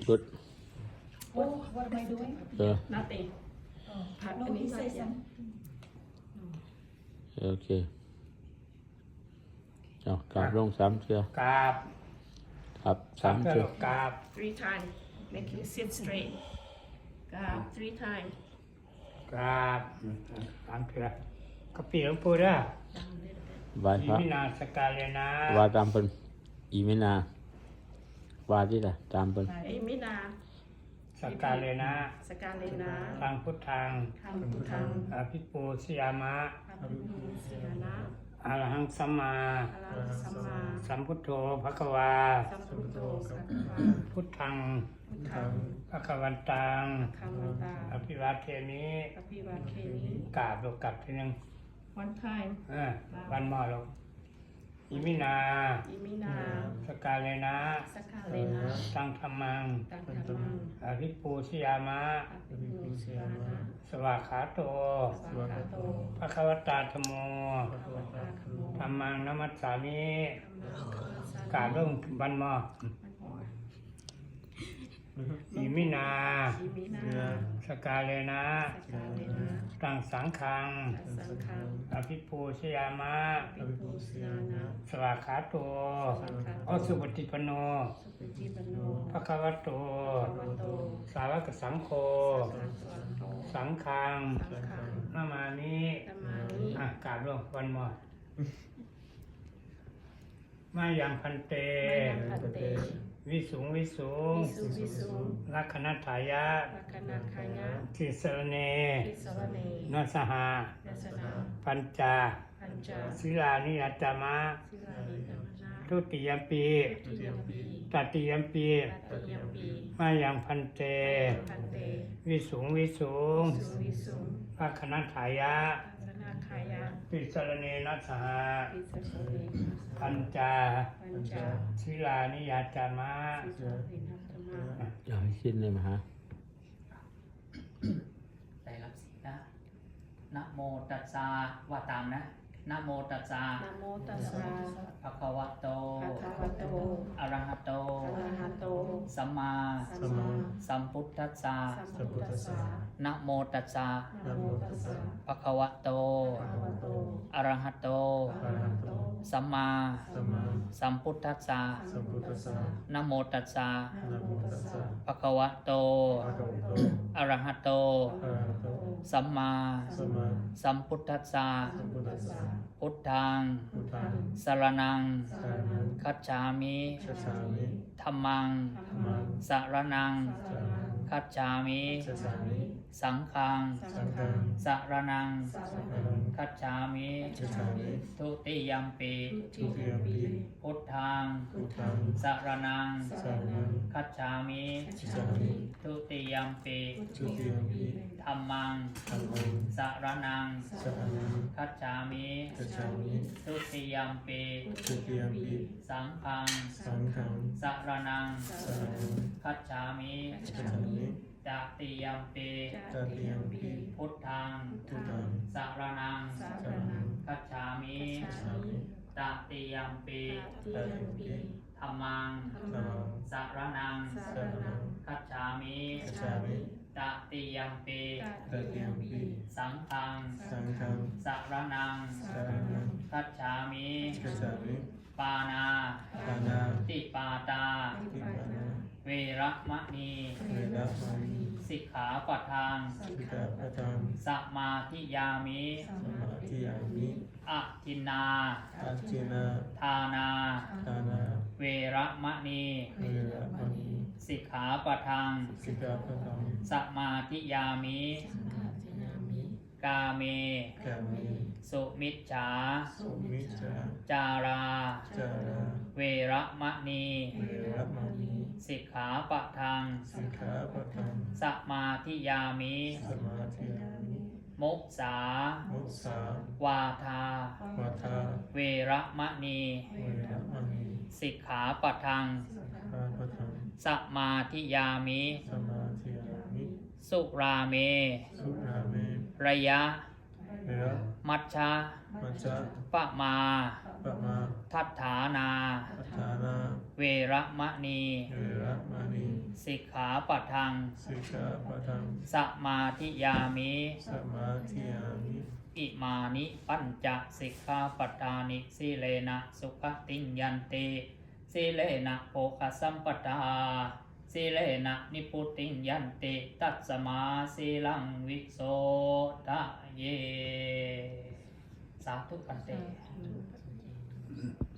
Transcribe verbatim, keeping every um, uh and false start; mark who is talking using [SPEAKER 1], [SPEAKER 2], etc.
[SPEAKER 1] good
[SPEAKER 2] What What am I doing?
[SPEAKER 1] yeah
[SPEAKER 3] nothing
[SPEAKER 2] Oh, no, he says something.
[SPEAKER 1] okay เอากราบลงสามเชือก
[SPEAKER 4] ราบ
[SPEAKER 1] ครับ
[SPEAKER 4] สา
[SPEAKER 1] สาม ม
[SPEAKER 4] เทื่อ
[SPEAKER 1] เชือ
[SPEAKER 4] ลู
[SPEAKER 1] ก
[SPEAKER 4] กกราบ
[SPEAKER 3] three times make you sit straight กราบ three times
[SPEAKER 4] กราบสามเทื่อก็ปีหลวงปู่เด้อ
[SPEAKER 3] down a little bit
[SPEAKER 1] ไหว้
[SPEAKER 4] อิ
[SPEAKER 1] พระ
[SPEAKER 4] มินาสกาเลนะ
[SPEAKER 1] ว่าตามเป็นอีเมนาว่าที่ละตามเป็น
[SPEAKER 3] เอ้ยมินา
[SPEAKER 4] สกาเลนะ
[SPEAKER 3] สกาเลนะ
[SPEAKER 4] ทางพุทธัง
[SPEAKER 3] ทางพุทธัง
[SPEAKER 4] อภิปูสยามะ
[SPEAKER 3] อภิปูเสียนะ
[SPEAKER 4] อรหังสัมมา
[SPEAKER 3] อรหังสัมมา
[SPEAKER 4] สัมพุทโธภควา
[SPEAKER 3] สัมพุทโธสัพพะ
[SPEAKER 4] พุทธัง
[SPEAKER 3] พุทธัง
[SPEAKER 4] ภควันตัง
[SPEAKER 3] คามันตา
[SPEAKER 4] อภิวาเทมิ
[SPEAKER 3] อภิวาเคมิ
[SPEAKER 4] กราบลูกกลับทีนึง
[SPEAKER 3] one time
[SPEAKER 4] เออวันหมอลูกอิมินา
[SPEAKER 3] อิมินา
[SPEAKER 4] สกาเลนะ
[SPEAKER 3] สกาเลนะ
[SPEAKER 4] ตังธรรมัง
[SPEAKER 3] ตังธรรมัง
[SPEAKER 4] อภิปูสยามะ
[SPEAKER 3] อภิปูเสียนะ
[SPEAKER 4] สวากขาโต
[SPEAKER 3] สวากาโต
[SPEAKER 4] ภควตาธโม
[SPEAKER 3] ภะคะวะตาธัมโม
[SPEAKER 4] ธรรมังนมัสสามิ
[SPEAKER 3] ธัมมังคัมมัสสามิ
[SPEAKER 4] กราบลงวันหมออิมินา
[SPEAKER 3] อิมินา
[SPEAKER 4] สกาเลนะ
[SPEAKER 3] สกาเลนะ
[SPEAKER 4] ตังสังขัง
[SPEAKER 3] สังฆัง
[SPEAKER 4] อภิปูชยามะ
[SPEAKER 3] ปิปุสยานะ
[SPEAKER 4] สวากขาโตอสุปฏิปโน
[SPEAKER 3] สุปฏิปันโน
[SPEAKER 4] ภะคะวะโต
[SPEAKER 3] ภะคะวะโต
[SPEAKER 4] สาวกสังโฆ
[SPEAKER 3] สังฆังโต
[SPEAKER 4] สังฆัง
[SPEAKER 3] สังฆัง
[SPEAKER 4] นามานิ
[SPEAKER 3] ธัมมานิ
[SPEAKER 4] อ่ะกราบลงวันหมอมายังพันเต
[SPEAKER 3] มะยังพันเต
[SPEAKER 4] วิสุงวิสุง
[SPEAKER 3] วิสุวิสุง
[SPEAKER 4] ลักขณทายะ
[SPEAKER 3] ลักขณาคายะ
[SPEAKER 4] ทิสรเน
[SPEAKER 3] ทิสรเน
[SPEAKER 4] นัสหา
[SPEAKER 3] ยัสนา
[SPEAKER 4] ปัญจา
[SPEAKER 3] ปัญจ
[SPEAKER 4] ศิลานิยัตตมะ
[SPEAKER 3] ศิลานิกัมนา
[SPEAKER 4] ทุติยมปี
[SPEAKER 3] ทุติยมปี
[SPEAKER 4] ตติยมปี
[SPEAKER 3] ตัตติยมปี
[SPEAKER 4] มายังพันเต
[SPEAKER 3] พันเต
[SPEAKER 4] วิสุงวิสุง
[SPEAKER 3] วิสุวิสุง
[SPEAKER 4] ลักขณทายะ
[SPEAKER 3] ลักขณาคายะ
[SPEAKER 4] ทิสรเนนัสหา
[SPEAKER 3] ทิสรเน
[SPEAKER 4] ปัญจา
[SPEAKER 3] ปัญจ
[SPEAKER 4] ศิลานิยัตตมะ
[SPEAKER 3] ศิลานิกัมนา
[SPEAKER 1] อย่าให้สิ้นเลยมาฮะ
[SPEAKER 5] ใจรับศีลนะนะโมตัสสะว่าตามนะนะโมตัสสะ
[SPEAKER 3] นะโมตัสสะ
[SPEAKER 5] ภะคะวะโต
[SPEAKER 3] ภะคะวะโต
[SPEAKER 5] อะระหะโต
[SPEAKER 3] อะระหะโต
[SPEAKER 5] สัมมา
[SPEAKER 3] สัมมา
[SPEAKER 5] สัมพุทธัสสะ
[SPEAKER 3] สัมพุทธัสสะ
[SPEAKER 5] นะโมตัสสะ
[SPEAKER 3] นะโมตัสสะ
[SPEAKER 5] ภะคะวะโต
[SPEAKER 3] ภะคะวะโต
[SPEAKER 5] อะระหะโต
[SPEAKER 3] อะระหะโต
[SPEAKER 5] สัมมา
[SPEAKER 6] สัมมา
[SPEAKER 5] สัมพุทธัสสะ
[SPEAKER 6] สัมพุทธัสสะ
[SPEAKER 5] นะโมตัสสะ
[SPEAKER 6] นะโมตัสสะ
[SPEAKER 5] ภะคะวะโต
[SPEAKER 6] ภะคะวะโต
[SPEAKER 5] อะระหะโต
[SPEAKER 6] อะระหะโต
[SPEAKER 5] สัมมา
[SPEAKER 6] สัมมา
[SPEAKER 5] สัมพุทธัสสะ
[SPEAKER 6] สัมพุทธัสสะ
[SPEAKER 5] พุทธัง
[SPEAKER 6] พุทธัง
[SPEAKER 5] สรณัง
[SPEAKER 6] สรณัง
[SPEAKER 5] คัจฉามิ
[SPEAKER 6] คัจฉามิ
[SPEAKER 5] ธัมมัง
[SPEAKER 6] ธัมมัง
[SPEAKER 5] สรณัง
[SPEAKER 6] สรณัง
[SPEAKER 5] คัจฉามิ
[SPEAKER 6] คัจฉามิ
[SPEAKER 5] สังฆัง
[SPEAKER 6] สังฆัง
[SPEAKER 5] สรณัง
[SPEAKER 6] สรณัง
[SPEAKER 5] คัจฉามิ
[SPEAKER 6] คัจฉามิ
[SPEAKER 5] ทุติยัมปิ
[SPEAKER 6] ทุติยมปิ
[SPEAKER 5] พุทธัง
[SPEAKER 6] พุทธัง
[SPEAKER 5] สรณัง
[SPEAKER 6] สรณัง
[SPEAKER 5] คัจฉามิ
[SPEAKER 6] คัจฉามิ
[SPEAKER 5] ทุติยัมปิ
[SPEAKER 6] ทุติยมปิ
[SPEAKER 5] ธัมมัง
[SPEAKER 6] ธัมมัง
[SPEAKER 5] สรณัง
[SPEAKER 6] สรณัง
[SPEAKER 5] คัจฉามิ
[SPEAKER 6] คัจฉามิ
[SPEAKER 5] ทุติยัมปิ
[SPEAKER 6] ทุติยมปิ
[SPEAKER 5] สังฆัง
[SPEAKER 6] สังฆัง
[SPEAKER 5] สรณัง
[SPEAKER 6] สรณัง
[SPEAKER 5] คัจฉามิ
[SPEAKER 6] คัจฉามิ
[SPEAKER 5] ตติยัมปิ
[SPEAKER 6] ตติยมปิ
[SPEAKER 5] พุทธัง
[SPEAKER 6] พุทธัง
[SPEAKER 5] สรณัง
[SPEAKER 6] สรณัง
[SPEAKER 5] คัจฉามิ
[SPEAKER 6] คัจฉามิ
[SPEAKER 5] ตติยัมปิ
[SPEAKER 6] ตติยมปิ
[SPEAKER 5] ธัมมัง
[SPEAKER 6] ธัมมัง
[SPEAKER 5] สรณัง
[SPEAKER 6] สรณัง
[SPEAKER 5] คัจฉามิ
[SPEAKER 6] คัจฉามิ
[SPEAKER 5] ตติยัมปิ
[SPEAKER 6] ตติยมปิ
[SPEAKER 5] สังฆัง
[SPEAKER 6] สังฆัง
[SPEAKER 5] สรณัง
[SPEAKER 6] สรณัง
[SPEAKER 5] คัจฉามิ
[SPEAKER 6] คัจฉามิ
[SPEAKER 5] ปานา
[SPEAKER 6] ปานา
[SPEAKER 5] ติปาตา
[SPEAKER 6] ติปานา
[SPEAKER 5] เวระมะนี
[SPEAKER 6] เวระมานี
[SPEAKER 5] สิกขาปะทาน
[SPEAKER 6] สิกขาปะทัง
[SPEAKER 5] สมาธิยามิ
[SPEAKER 6] สมาธิยามิ
[SPEAKER 5] อะทินนา
[SPEAKER 6] อาจินา
[SPEAKER 5] ทานา
[SPEAKER 6] ทานา
[SPEAKER 5] เวระมะนี
[SPEAKER 6] เวระมานี
[SPEAKER 5] สิกขาปะทัง
[SPEAKER 6] สิกขาปะทัง
[SPEAKER 5] สมาธิยามิ กาเม
[SPEAKER 6] กามิ
[SPEAKER 5] สุมิจฉา
[SPEAKER 6] สุมิจฉา
[SPEAKER 5] จารา
[SPEAKER 6] จารา
[SPEAKER 5] เวระมะนี
[SPEAKER 6] เวระมานี
[SPEAKER 5] สิกขาปะทัง
[SPEAKER 6] สิกขาปะทัง
[SPEAKER 5] สมาธิยามิ
[SPEAKER 6] สมาธิยามิ
[SPEAKER 5] มุสา
[SPEAKER 6] มุสาว
[SPEAKER 5] าทา
[SPEAKER 6] วาทา
[SPEAKER 5] เวระมะนี
[SPEAKER 6] เวระมานี
[SPEAKER 5] สิกขาปะทัง
[SPEAKER 6] สิกขาปะทัง
[SPEAKER 5] สมาธิยามิ
[SPEAKER 6] สมาธิยามิ
[SPEAKER 5] สุราเม
[SPEAKER 6] สุราเม
[SPEAKER 5] ระยะ
[SPEAKER 6] เวระ
[SPEAKER 5] มัชชะ
[SPEAKER 6] มัจจา
[SPEAKER 5] ปะมา
[SPEAKER 6] ปะมา
[SPEAKER 5] ทัฏฐานา
[SPEAKER 6] ปัฏฐานา
[SPEAKER 5] เวระมะนี
[SPEAKER 6] เวระมานี
[SPEAKER 5] สสิกขาปัทัง
[SPEAKER 6] สิกขาปะทัง
[SPEAKER 5] สมาธิยามิ
[SPEAKER 6] สมาธิยามิ
[SPEAKER 5] อิมานิปัญจสิกขาปัฏฐานิสีเลนะสุขติงยันติสีเลนะโภคสัมปทาสีเลนะนิพุติงยันติตัสสมาสีลังวิโสทะเย สาธุปันเต